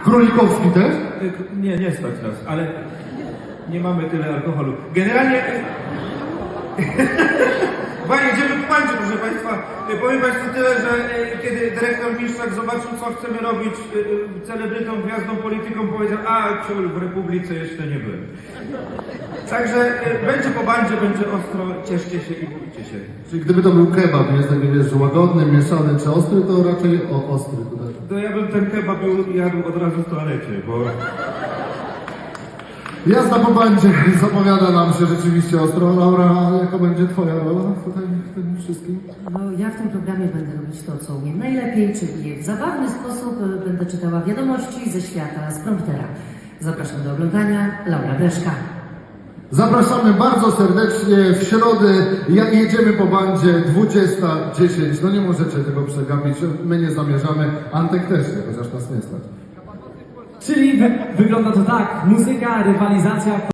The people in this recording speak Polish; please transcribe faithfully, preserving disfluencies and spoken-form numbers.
Królikowski też? Nie, nie stać nas, ale nie mamy tyle alkoholu. Generalnie... Chyba jedziemy po bandzie, proszę Państwa. Powiem Państwu tyle, że kiedy dyrektor Miszczak zobaczył, co chcemy robić celebrytom, gwiazdom, politykom, powiedział: a ciul, w Republice jeszcze nie byłem. Także będzie po bandzie, będzie ostro, cieszcie się i bójcie się. Czyli gdyby to był kebab, jest taki, wiesz, łagodny, mieszany czy ostry, to raczej o, ostry tutaj. To ja bym ten kebab jadł od razu w toalecie, bo... Jazda po bandzie zapowiada nam się rzeczywiście ostro. Laura, jaka będzie twoja rola tutaj w tym wszystkim? No, ja w tym programie będę robić to, co umiem najlepiej, czyli w zabawny sposób e, będę czytała wiadomości ze świata z promptera. Zapraszam do oglądania. Laura Breszka. Zapraszamy bardzo serdecznie w środę, jak jedziemy po bandzie dwudziesta dziesięć. No nie możecie tego przegapić, my nie zamierzamy, Antek też nie, chociaż nas nie stać. Czyli wy, wygląda to tak, muzyka, rywalizacja.